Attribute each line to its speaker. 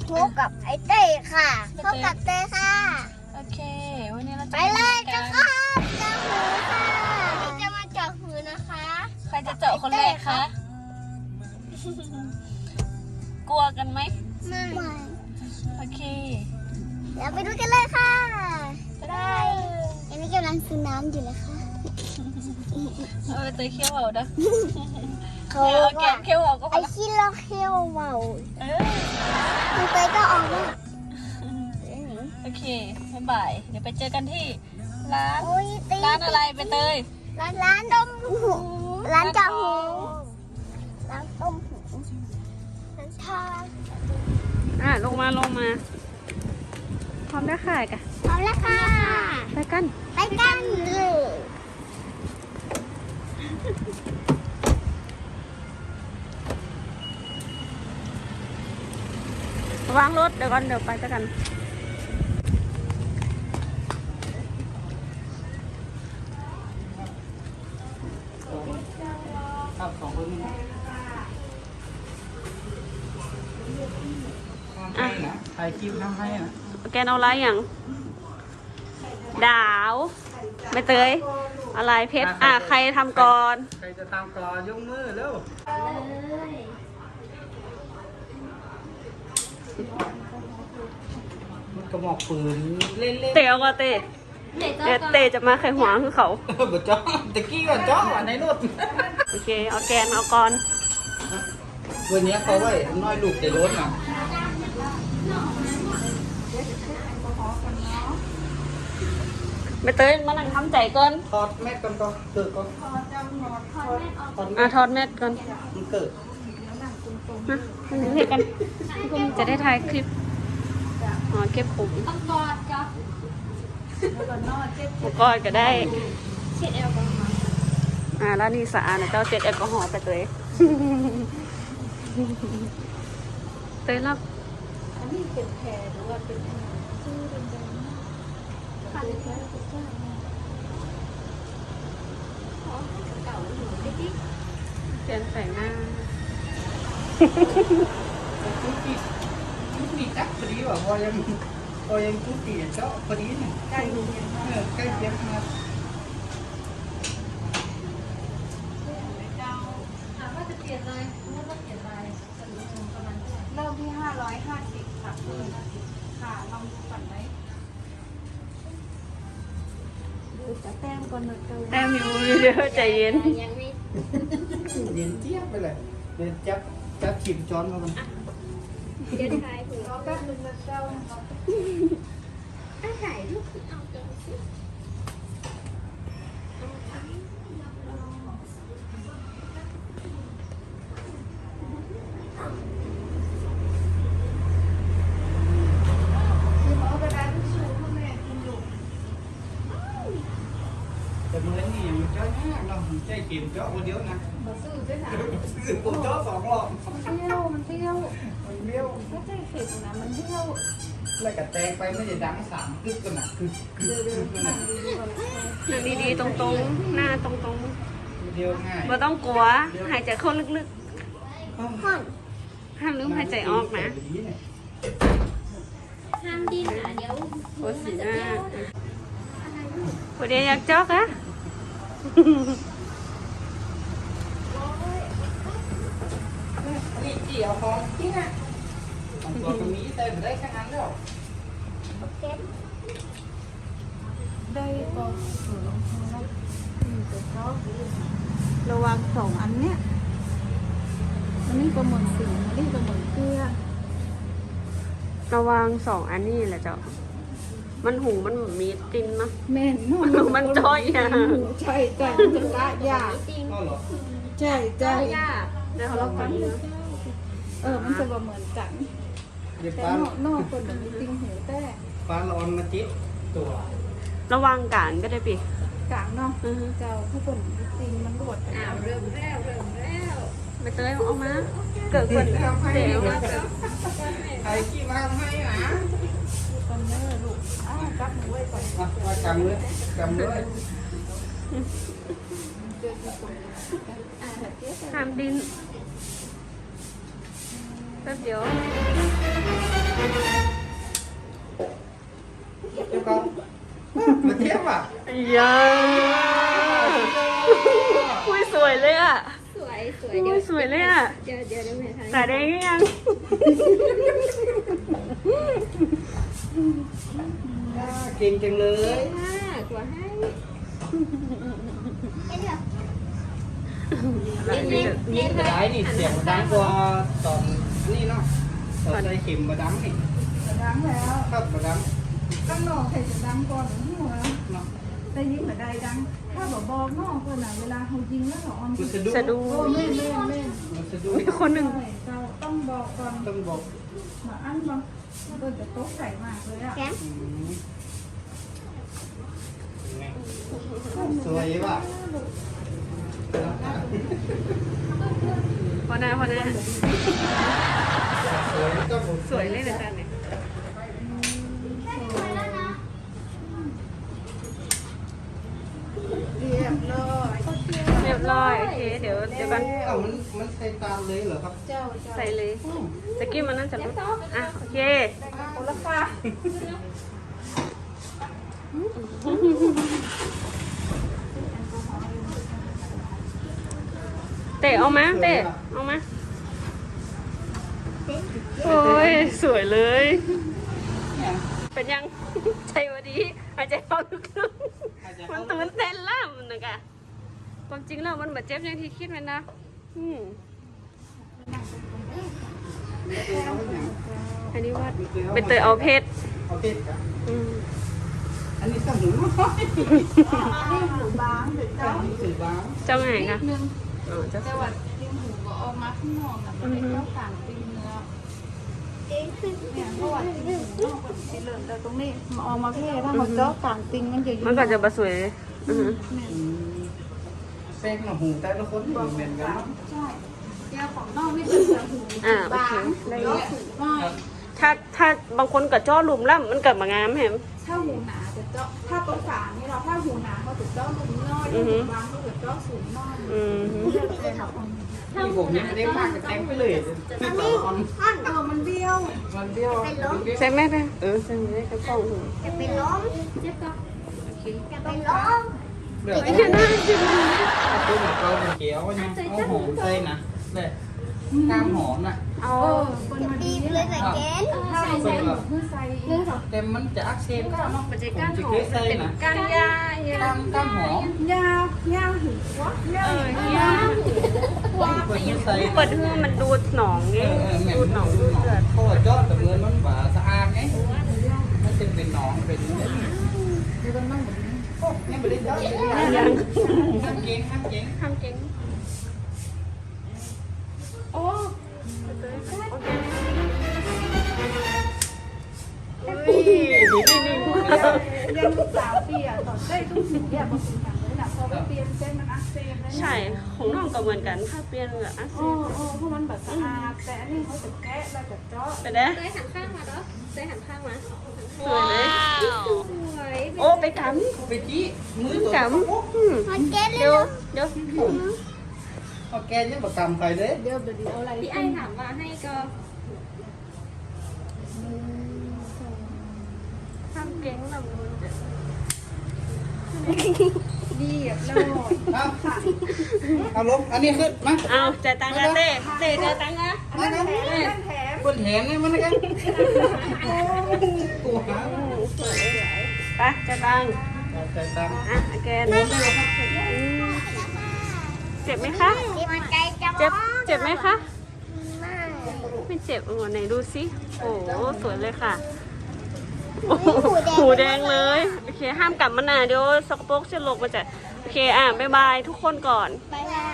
Speaker 1: พบกับไอเต้ค่ะพบกับเต้ค่ะ
Speaker 2: โอเควันนี้เราจะ
Speaker 1: ไปเลยเจ้าครับเจาะหูค่ะนี่จะมาเจาะหูนะคะ
Speaker 2: ใครจะเจาะคนแรกคะกลัวกันไหม
Speaker 1: ไม่
Speaker 2: โอเค
Speaker 1: เดี๋ยวไปดูกันเลยค่ะได้อันนี้กำลังซื้อน้ำอยู่เลยค่ะ
Speaker 2: เอาไปเตยเคี้ยวเอาเด้อ
Speaker 1: เขา
Speaker 2: เอาแกะเคี้ยวเอาก็พ
Speaker 1: ไอ
Speaker 2: อละ
Speaker 1: ขี้เราเขี้ยวเบาคุณเต้ก็ออกมา
Speaker 2: โอเคบ๊ายบายเดี๋ยวไปเจอกันที่ร้าน
Speaker 1: ร้า
Speaker 2: ร้านอะไรไปเตย
Speaker 1: ร้านดมหูร้านเจาะหูร้านต้มหูร้านทา
Speaker 2: ลงมาพร้อมได้ค่ะกัน
Speaker 1: พร้อมแล้วค่ะ
Speaker 2: ไปกัน
Speaker 1: เลย
Speaker 2: วางรถเดี๋ยวก่อนเดี๋ยวไปกัน
Speaker 3: ครับ2 คนนี้ทำให้นะถ่ายคลิปทำให้นะ
Speaker 2: แกนเอาอะไรอย่างดาวไม่เตยอะไรเพชรใครทำก่อน
Speaker 3: ใครจะตามก่อนยกมือเร็วมันกระบอกปืนเล่น
Speaker 2: เตะเอาก็เตะเตะจะมาไขหัวคือเขา
Speaker 3: ๆบ่จ้อตะกี้ก่อนจ้อในรถ
Speaker 2: โอเคเอาแกนเอาก่อน
Speaker 3: วันนี้เขาไว้น้อยลูกในรถนะ
Speaker 2: ไม่เตยมานั่งทำใจก่อน
Speaker 3: ถอดแมสก่อนก็เกิดก่อนถอด
Speaker 2: ถอดแมสก่อน
Speaker 3: มันเกิด
Speaker 2: นะนั่งเรียกกันคุณจะได้ถ่ายคลิปเก็บผมต้องกอดจ้ะกอดก็ได้เช็ดแอลกอฮอล์แล้วนี่สะอาดนะเจ้าเช็ดแอลกอฮอล์ไปเตยเตยรับอันนี้เป็นแผลหรือว่าเป็นชื่อเป็นแดงค่ะเป็นแผลเป็นแผลเก่าหนูดิเปลี่ยนแต่งหน้า
Speaker 3: ทุกปีจักพอดีว่าพอยังทุกปีเจ้าพอดีเนี่ยใกล้เคียงมา
Speaker 2: ว่าจะเปลี่ยนเลยว่าเปลี่ยนอะไรประมาณเริ่มที่550ค่ะค่ะลองดูก่อนไหมดูจะแต้มก่อนหน่อยแต้มอยู่เดี๋ยวใจเย็น
Speaker 1: ยังไม่
Speaker 3: เย็นเจี๊ยบไปเลยเดี๋ยวจับชิมช้อนมามัน
Speaker 1: เดี๋ยวถ่ายหูแป๊บนึงนะเจ้าถ่ายรูปเอาจังสิ
Speaker 3: แต่มือนี่มันเจ้ามากเนาะใจเก็บเจ้าคนเดียวนะซื้อผมเจ้า2 รอบ
Speaker 2: มันเที่ยว
Speaker 3: มันเบี้ยว
Speaker 2: ไม่ใช่เข็มนะมันเที่ยว
Speaker 3: แล้วก็แตงไปไม่ได้ดัง3 คึกกันนะคือกันนะ
Speaker 2: นั่งดีๆตรงๆหน้าตรง
Speaker 3: เดียวง่าย
Speaker 2: ๆไม่ต้องกลัวหายใจเข้าลึก
Speaker 1: ห้อน
Speaker 2: ๆห้ามลืมหายใจออกนะ
Speaker 1: ห้ามดิ้นนะเดี๋ยว
Speaker 2: โอ้สีหน้าวันนี้อยากจอกอะ
Speaker 3: นี่จีเอาของที่น่ะของตัวตรงนี้เต็มได้แค่นั้นแล้ว
Speaker 1: เก็บ
Speaker 2: ได้ก็ระวัง2 อันเนี้ยอันนี้ก็เหมือนสีอันนี้ก็เหมือนเกลือระวัง2 อันนี้แหละเจ้ามันหูมันมีตินนะ
Speaker 4: แม่น
Speaker 2: มันจ้อยอ่ะ
Speaker 4: ใช่ใจมันจะละยาก
Speaker 3: ก็เหรอ
Speaker 4: ใช่ใจ
Speaker 2: เดี๋ยวเราฟัง
Speaker 4: มันจะบ่เหมือนกัน
Speaker 3: เดี๋ยว
Speaker 4: แต่
Speaker 3: ป้าน
Speaker 4: อกคนมันติงหูแต่
Speaker 3: ป้าร้อนมาจิตตัว
Speaker 2: ระวังกันก็ได้ปี
Speaker 4: กลางเนาะเจ้าถ้าคนติงมันก็บด
Speaker 1: เริ่มแล้ว
Speaker 2: ไปเตยเอามาเกิดคนเดี๋ยว
Speaker 3: ใครขี้มาให้หนะ
Speaker 4: คนเนอลูกจับมือไว้ก่อน
Speaker 3: มากำเลย
Speaker 2: ห้ามดินแป๊บเดียว
Speaker 3: เจ้าของมาเทียบอ่ะ
Speaker 2: ยาอุ้ยสวยเลยอ่ะ
Speaker 4: สวยสวย
Speaker 2: อุ้ยสวยเลยอ่ะ
Speaker 4: เดี๋ยวแม่ทาย
Speaker 2: ตาแดงยัง
Speaker 3: เก่งจังเลย
Speaker 4: ห้ากว่าให้
Speaker 3: นี่กระไดนี่เสียงดังกว่าตอนนี่เนาะตอนใส่เข็มมาดังนี่
Speaker 5: ดังแล้ว
Speaker 3: ครับมาดัง
Speaker 5: ข้างนอกใครจะดังก่อนหัว
Speaker 3: เนาะ
Speaker 5: แต่ยิงเหมือนใดดัง ถ้าบอกนอกคนน่ะเวลาเขายิงแล้วเขาออน
Speaker 3: มันสะดุ้ง
Speaker 2: สะดุ้ง
Speaker 5: โอ้แม่
Speaker 3: มันสะดุ้ง
Speaker 2: มีคนหนึ่ง
Speaker 5: เราต้องบอกก่อน
Speaker 3: ต้องบอก
Speaker 5: มาอันบางตัวจะโต๊ะใส่มากเลยอ่ะ
Speaker 1: แก
Speaker 3: สวยว่ะ
Speaker 2: พอนะพอนะ
Speaker 3: สวยก็
Speaker 2: สวยเลยนะจ๊ะเนี่ย
Speaker 5: เรียบร้อย
Speaker 2: เรียบร้อยโอเคเดี๋ยวกัน
Speaker 3: เอ้ามันใส่ตาเลยเหรอครับ
Speaker 5: เจ้า
Speaker 2: ใส่เลยตะกี้มันน่าจะรู้อ่ะโอเค
Speaker 5: คนละฟ้า
Speaker 2: เตะเอามาเตะเอามาโอ้ยสวยเลย
Speaker 3: เนี่ย
Speaker 2: เป็นยัง ใจวันดีหายใจเข้าลึกๆมันตื่นเต้นแล้วมันนะกะความจริงแล้วมันแบบเจ็บอย่างที่คิดมันนะอันนี้ว่าเป็นเตยเอาเพชร
Speaker 3: เอาเพชรครับ
Speaker 2: อืม
Speaker 3: อันนี้สมุนไพร
Speaker 5: นี่หูบางเดี๋ยว
Speaker 3: อั
Speaker 5: เจ้าน
Speaker 3: นี้สื่อบ้าง
Speaker 2: เจ้าไงคะ
Speaker 5: นึง
Speaker 2: อ๋อเจ้า
Speaker 5: แต่ว่ายิงหูก็ออกมาข้างนอกน่ะมันเป็นเจ้าต่างปีเนื้อเนี่ยเพราะว่ายิงหูนอกมันสีเหลืองแต่ตรงนี้มาออกมาเพ่ถ้าเขาเจาะต่างติงมันจะอยู่
Speaker 2: มันก็จะบะสวยอือฮึ
Speaker 3: เส้นหหูแต่ละคนเหมือนกัน
Speaker 5: ใช่แก้วของนอกนี่เป็นแบบหู
Speaker 2: อ่าโอเค
Speaker 5: บาง
Speaker 2: ได้
Speaker 5: แล้วหูน้อย
Speaker 2: ถ้าบางคนกับจ้อหลุมแล้วมันเกิดมางามแฮม
Speaker 5: ถ้าหูหนาจะเจาะถ้าตรงฝานี่เราถ้าหูหนาเขาจะเจาะหลุมน้อยถ้าหูบางเขาจะเจาะสูงน้อย
Speaker 2: อืมฮึ
Speaker 3: ที่ผมนี่ไม่ได้มากกับแตงไปเลยไม่ต่อคอน
Speaker 5: มันเบี้ยว
Speaker 3: มันเบี้ยว
Speaker 2: ใช่ไหมแม่ใช่ไหมกระป๋องหู
Speaker 1: จะเป็นล้ม
Speaker 4: เจ็บก็
Speaker 1: จะเป็นล้ม
Speaker 3: เลือก
Speaker 2: ไม่ใช่หน้าจริง
Speaker 3: ตัวเหมือนเราเป็นเขียวยังเอาหอมใส่นะเลยตามหอมน่ะ
Speaker 2: เอา
Speaker 5: คน
Speaker 1: จะ
Speaker 5: มัน
Speaker 1: บี
Speaker 5: ดี
Speaker 1: บเลยแต่แกน
Speaker 5: ถ้าเราใส่หมูเพื่อใส่เนื้อ
Speaker 3: แต่มันจะอักเสบก็เนาะ
Speaker 2: มันจะก้าน
Speaker 3: จะ
Speaker 2: หอ
Speaker 3: เค
Speaker 2: ม
Speaker 3: ยใส่
Speaker 2: เป็น
Speaker 3: นะ
Speaker 2: ก้านยา
Speaker 3: ก้านหอม
Speaker 5: ยาหูวะ
Speaker 2: ยา
Speaker 3: เปิดใส่
Speaker 2: เปิดเพื่อมันดูดหนองไงดูดหนองดูดเลือด
Speaker 3: เพราะว่ายอดแต่เงินมันบ่สะอาดไงมันจะเป็นหนองเป็นนี่ไม่ได้ยอด
Speaker 2: ยัง
Speaker 3: ห้ามเก่งห้ามเก่ง
Speaker 2: ทำเก่งโอ้นี่
Speaker 5: ยังลูกสาวเปียต่อได้ตุ้งหูเนี่ยบางสิ่งอย่างเลยนะพอไปเปลี่ยนเส้นมันอักเสบเลย
Speaker 2: ใช่ของน้องก็เหมือนกันถ้าเปลี่ยนแบบอ่ะ
Speaker 5: โอ้เพราะมันแบบสะอาดแต่อันนี้เขาจะแกะแล้วจะเจาะ
Speaker 2: ไปเด้อ
Speaker 4: เตยหันข้างมาเนาะเตยหันข้างมา
Speaker 2: สวยเลย
Speaker 4: สวย
Speaker 2: โอ้ไปก
Speaker 3: ไปจี้มือตัว
Speaker 2: ำกำ
Speaker 1: มันแกนเลย
Speaker 2: เดี๋ยว
Speaker 1: เนาะ
Speaker 2: เดี๋ยว
Speaker 3: เอาแกยังประกำใครเลย
Speaker 5: เดี๋ยวเอาอะไร
Speaker 4: พี่ไอ้ถามว่าให้ก็
Speaker 2: ทำเก่งแบบนู้น
Speaker 5: ดีอ่ะแล้ว
Speaker 3: เอาลบอันนี้ขึ้นมา
Speaker 2: เอาจ่ายตังค์นะเต้จ่ายตังค์นะ
Speaker 3: มานะ
Speaker 5: แถม
Speaker 3: บนแหนนี่มันกันตัวหา
Speaker 2: ไปจ่ายตังค์
Speaker 3: ใส่ตัง
Speaker 2: อ่ะแกนเจ็บไหมคะ
Speaker 1: ที่มันใจจะ
Speaker 2: เจ็บไหมคะ
Speaker 1: ไม่
Speaker 2: ไม่เจ็บไหนดูสิโอ้สวยเลยค่ะ
Speaker 1: หู
Speaker 2: หูแดงเลย โอเค ห้ามกลับมานะเดี๋ยวสกปรกจะลงมาจะโอเค บ๊ายบายทุกคนก่อน
Speaker 1: บายบาย